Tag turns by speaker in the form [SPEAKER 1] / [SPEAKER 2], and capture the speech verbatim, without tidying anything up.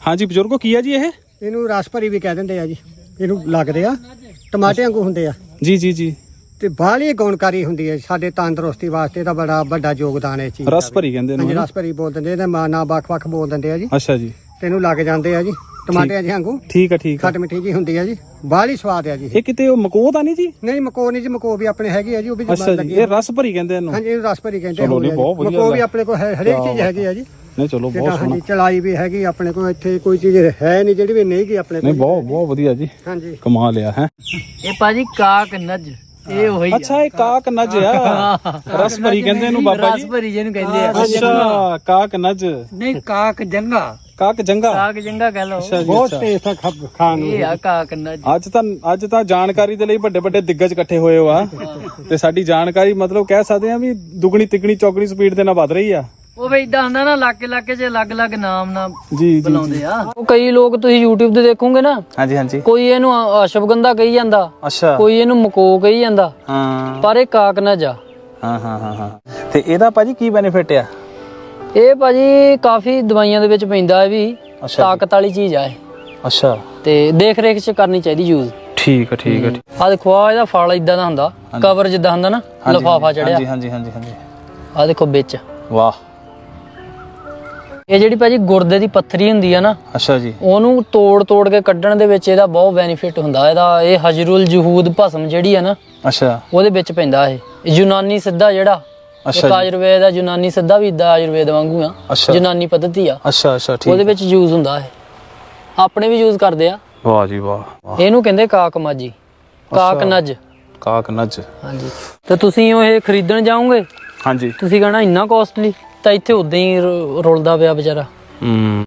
[SPEAKER 1] ਹਾਂਜੀ ਬਜ਼ੁਰਗੋ ਕੀ ਆ ਜੀ ਇਹ?
[SPEAKER 2] ਇਹਨੂੰ ਰਸ ਭਰੀ ਵੀ ਕਹਿ ਦਿੰਦੇ ਆ ਜੀ। ਇਹਨੂੰ ਲੱਗਦੇ ਆ ਟਮਾਟੇ ਵਾਂਗੂ ਹੁੰਦੇ ਆ
[SPEAKER 1] ਜੀ ਜੀ ਜੀ।
[SPEAKER 2] ਤੇ ਬਾਹਲੀ ਗੁਣਕਾਰੀ ਹੁੰਦੀ ਹੈ ਸਾਡੇ ਤੰਦਰੁਸਤੀ ਵਾਸਤੇ। ਇਹਦਾ ਬੜਾ ਵੱਡਾ ਯੋਗਦਾਨ ਹੈ ਇਸ ਚੀਜ਼ ਦਾ।
[SPEAKER 1] ਰਸ ਭਰੀ ਕਹਿੰਦੇ
[SPEAKER 2] ਹਾਂਜੀ
[SPEAKER 1] ਨੇ।
[SPEAKER 2] ਰਸ ਭਰੀ ਬੋਲ ਦਿੰਦੇ, ਇਹਦਾ ਮਾਂ ਨਾ ਵੱਖ-ਵੱਖ ਬੋਲ ਦਿੰਦੇ ਆ ਜੀ।
[SPEAKER 1] ਅੱਛਾ ਜੀ।
[SPEAKER 2] ਤੈਨੂੰ ਲੱਗ ਜਾਂਦੇ ਆ ਜੀ ਟਮਾਟਿਆਂ ਜਿਹੇ ਵਾਂਗੂ।
[SPEAKER 1] ਠੀਕ ਆ ਠੀਕ ਆ।
[SPEAKER 2] ਖੱਟ ਮਿੱਠੀ ਜੀ ਹੁੰਦੀ ਆ ਜੀ, ਬਾਹਲੀ ਸਵਾਦ ਆ ਜੀ।
[SPEAKER 1] ਇਹ ਕਿਤੇ ਉਹ ਮਕੋ ਤਾਂ ਨਹੀਂ ਜੀ?
[SPEAKER 2] ਨਹੀਂ ਮਕੋ ਨਹੀਂ ਜੀ, ਮਕੋ ਵੀ ਆਪਣੇ ਹੈਗੀ ਆ ਜੀ, ਉਹ ਵੀ
[SPEAKER 1] ਅੱਛਾ ਜੀ। ਇਹ ਰਸ ਭਰੀ ਕਹਿੰਦੇ ਇਹਨੂੰ?
[SPEAKER 2] ਹਾਂਜੀ ਇਹਨੂੰ ਰਸ ਭਰੀ ਕਹਿੰਦੇ।
[SPEAKER 1] ਚਲੋ ਜੀ, ਬਹੁਤ ਵਧੀਆ
[SPEAKER 2] ਮਕੋ ਵੀ ਆਪਣੇ ਕੋਲ ਹੈ, ਹਰੇਕ ਚੀਜ਼ ਹੈਗੀ ਆ ਜੀ।
[SPEAKER 1] ਨਹੀਂ ਚਲੋ ਬਹੁਤ ਸੋਹਣਾ।
[SPEAKER 2] ਹਾਂਜੀ ਚਲਾਈ ਵੀ ਹੈਗੀ ਆਪਣੇ ਕੋਲ। ਇੱਥੇ ਕੋਈ ਚੀਜ਼ ਹੈ ਨਹੀਂ ਜਿਹੜੀ ਵੀ ਨਹੀਂ ਗਈ ਆਪਣੇ ਕੋਲ।
[SPEAKER 1] ਨਹੀਂ ਬਹੁਤ ਬਹੁਤ ਵਧੀਆ ਜੀ।
[SPEAKER 2] ਹਾਂਜੀ
[SPEAKER 1] ਕਮਾਲ ਆ ਹੈ।
[SPEAKER 3] ਇਹ ਭਾਜੀ ਕਾਕ ਨਜ ਇਹ ਉਹੀ
[SPEAKER 1] ਅੱਛਾ ਇਹ ਕਾਕ ਨਜ ਆ। ਰਸ ਭਰੀ ਕਹਿੰਦੇ ਇਹਨੂੰ ਬਾਬਾ ਜੀ।
[SPEAKER 3] ਰਸ ਭਰੀ ਜਿਹਨੂੰ ਕਹਿੰਦੇ ਆ।
[SPEAKER 1] ਅੱਛਾ ਕਾਕ ਨਜ
[SPEAKER 3] ਨਹੀਂ ਕਾਕ ਜੰਗਾ।
[SPEAKER 1] ਕਾਕ ਜੰਗਾ।
[SPEAKER 3] ਕਾਕ ਜੰਗਾ ਕਹ ਲਓ।
[SPEAKER 1] ਅੱਛਾ ਜੀ
[SPEAKER 2] ਬਹੁਤ
[SPEAKER 1] ਅੱਛਾ।
[SPEAKER 2] ਟੇਸਟ ਆ ਖਾਣ ਨੂੰ।
[SPEAKER 3] ਇਹ ਆ ਕਾਕ ਨਜ।
[SPEAKER 1] ਅੱਜ ਤਾਂ ਅੱਜ ਤਾਂ ਜਾਣਕਾਰੀ ਦੇ ਲਈ ਵੱਡੇ ਵੱਡੇ ਦਿੱਗਜ ਇਕੱਠੇ ਹੋਏ ਹੋ ਆ ਤੇ ਸਾਡੀ ਜਾਣਕਾਰੀ ਮਤਲਬ ਕਹਿ ਸਕਦੇ ਆ ਵੀ ਦੁਗਣੀ ਤਿੱਗਣੀ ਚੌਗਣੀ ਸਪੀਡ ਦੇ ਨਾਲ ਵੱਧ ਰਹੀ ਆ।
[SPEAKER 3] ਉਹ ਵੀ ਇਦਾਂ ਹੁੰਦਾ ਨਾ ਇਲਾਕੇ ਇਲਾਕੇ 'ਚ ਅਲੱਗ-ਅਲੱਗ ਨਾਮ ਨਾਲ
[SPEAKER 1] ਜੀ ਜੀ
[SPEAKER 3] ਬੁਲਾਉਂਦੇ ਆ। ਉਹ ਕਈ ਲੋਕ ਤੁਸੀਂ YouTube ਤੇ ਦੇਖੋਗੇ ਨਾ,
[SPEAKER 1] ਹਾਂਜੀ ਹਾਂਜੀ।
[SPEAKER 3] ਕੋਈ ਇਹਨੂੰ ਅਸ਼ਵਗੰਧਾ ਕਹੀ ਜਾਂਦਾ,
[SPEAKER 1] ਅੱਛਾ
[SPEAKER 3] ਕੋਈ ਇਹਨੂੰ ਮਕੋ ਕਹੀ ਜਾਂਦਾ,
[SPEAKER 1] ਹਾਂ
[SPEAKER 3] ਪਰ ਇਹ ਕਾਕ ਨਜ ਆ।
[SPEAKER 1] ਹਾਂ ਹਾਂ ਹਾਂ ਹਾਂ। ਤੇ ਇਹਦਾ ਭਾਜੀ ਕੀ ਬੈਨੀਫਿਟ ਆ?
[SPEAKER 3] ਇਹ ਭਾਜੀ ਕਾਫੀ ਦਵਾਈਆਂ ਦੇ ਵਿੱਚ ਪੈਂਦਾ ਹੈ ਵੀ,
[SPEAKER 1] ਅੱਛਾ
[SPEAKER 3] ਤਾਕਤ ਵਾਲੀ ਚੀਜ਼ ਆ ਇਹ।
[SPEAKER 1] ਅੱਛਾ
[SPEAKER 3] ਤੇ ਦੇਖ ਰੇਖ 'ਚ ਕਰਨੀ ਚਾਹੀਦੀ ਯੂਜ਼।
[SPEAKER 1] ਠੀਕ ਆ ਠੀਕ ਆ।
[SPEAKER 3] ਆ ਦੇਖੋ ਆ ਇਹਦਾ ਫਲ ਇਦਾਂ ਦਾ ਹੁੰਦਾ, ਕਵਰ ਜਿੱਦਾਂ ਹੁੰਦਾ ਨਾ, ਲਿਫਾਫਾ ਚੜਿਆ।
[SPEAKER 1] ਹਾਂਜੀ ਹਾਂਜੀ ਹਾਂਜੀ ਹਾਂਜੀ।
[SPEAKER 3] ਆ ਦੇਖੋ ਵਿੱਚ।
[SPEAKER 1] ਵਾਹ।
[SPEAKER 3] ਇਹ ਜਿਹੜੀ ਭਾਜੀ ਗੁਰਦੇ ਦੀ ਪੱਥਰੀ ਹੁੰਦੀ ਆ ਨਾ,
[SPEAKER 1] ਅੱਛਾ ਜੀ।
[SPEAKER 3] ਉਹਨੂੰ ਤੋੜ ਤੋੜ ਕੇ ਕੱਢਣ ਦੇ ਵਿੱਚ ਇਹਦਾ ਬਹੁਤ ਬੈਨੀਫਿਟ ਹੁੰਦਾ। ਇਹਦਾ ਇਹ ਹਜਰੁਲ ਜਹੂਦ ਭਸਮ ਜਿਹੜੀ ਆ ਨਾ,
[SPEAKER 1] ਅੱਛਾ
[SPEAKER 3] ਉਹਦੇ ਵਿੱਚ ਪੈਂਦਾ ਇਹ। ਯੂਨਾਨੀ ਸਿੱਧਾ ਜਿਹੜਾ ਇੱਕ ਆਯੁਰਵੇਦ ਆ, ਯੂਨਾਨੀ ਸਿੱਧਾ ਵੀ ਇਦਾਂ ਆਯੁਰਵੇਦ ਵਾਂਗੂ ਆ, ਯੂਨਾਨੀ ਪੱਧਤੀ ਆ।
[SPEAKER 1] ਅੱਛਾ ਅੱਛਾ ਠੀਕ।
[SPEAKER 3] ਉਹਦੇ ਵਿੱਚ ਯੂਜ਼ ਹੁੰਦਾ ਇਹ। ਆਪਣੇ ਵੀ ਯੂਜ਼ ਕਰਦੇ ਆ।
[SPEAKER 1] ਵਾਹ ਜੀ ਵਾਹ।
[SPEAKER 3] ਇਹਨੂੰ ਕਹਿੰਦੇ ਕਾਕ ਮਾਜੀ, ਕਾਕ ਨਜ।
[SPEAKER 1] ਕਾਕ ਨਜ।
[SPEAKER 3] ਹਾਂਜੀ। ਤੇ ਤੁਸੀਂ ਉਹ ਇਹ ਖਰੀਦਣ ਜਾਓਗੇ,
[SPEAKER 1] ਹਾਂਜੀ
[SPEAKER 3] ਤੁਸੀਂ ਕਹਣਾ ਇੰਨਾ ਕੋਸਟਲੀ, ਤਾਂ ਇੱਥੇ ਉਦਾਂ ਹੀ ਰੁਲਦਾ ਪਿਆ ਵਿਚਾਰਾ।
[SPEAKER 1] ਹੂੰ।